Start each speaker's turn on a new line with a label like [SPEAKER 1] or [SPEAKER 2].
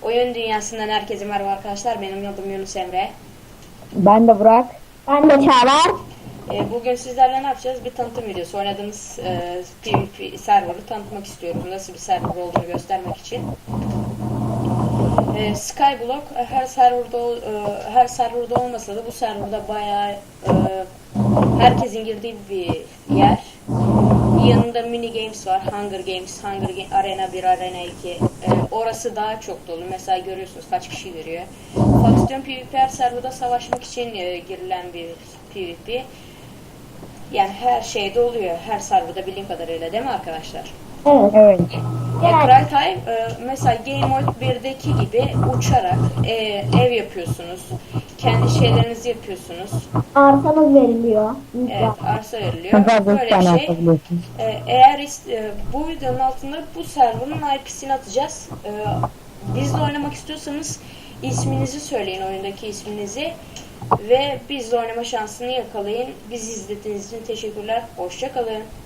[SPEAKER 1] Oyun dünyasından herkese merhaba arkadaşlar. Benim adım Yunus Emre.
[SPEAKER 2] Ben de Burak.
[SPEAKER 3] Ben de Çağlar.
[SPEAKER 1] Bugün sizlerle ne yapacağız? Bir tanıtım videosu. Oynadığımız PvP server'ı tanıtmak istiyorum. Nasıl bir server olduğunu göstermek için. Skyblock her serverda olmasa da bu serverda bayağı herkesin girdiği bir yer. Yanında mini games var. Arena 1, Arena 2. Orası daha çok dolu. Mesela görüyorsunuz kaç kişi giriyor. Faksiyon PvP her serverda savaşmak için girilen bir PvP. Yani her şeyde oluyor. Her serverda bildiğim kadarıyla, değil mi arkadaşlar?
[SPEAKER 3] Evet.
[SPEAKER 2] Evet.
[SPEAKER 1] Cry Time mesela Game Mode 1'deki gibi uçarak ev yapıyorsunuz. Kendi şeylerinizi yapıyorsunuz.
[SPEAKER 3] Arsanız veriliyor.
[SPEAKER 1] Evet, arsa veriliyor.
[SPEAKER 2] Çok fazla
[SPEAKER 1] Böyle
[SPEAKER 2] tane
[SPEAKER 1] bir şey.
[SPEAKER 2] atabiliyorsun.
[SPEAKER 1] Eğer bu videonun altında bu server'ın IP'sini atacağız. Bizle oynamak istiyorsanız isminizi söyleyin, oyundaki isminizi. Ve bizle oynama şansını yakalayın. Bizi izlediğiniz için teşekkürler. Hoşça kalın.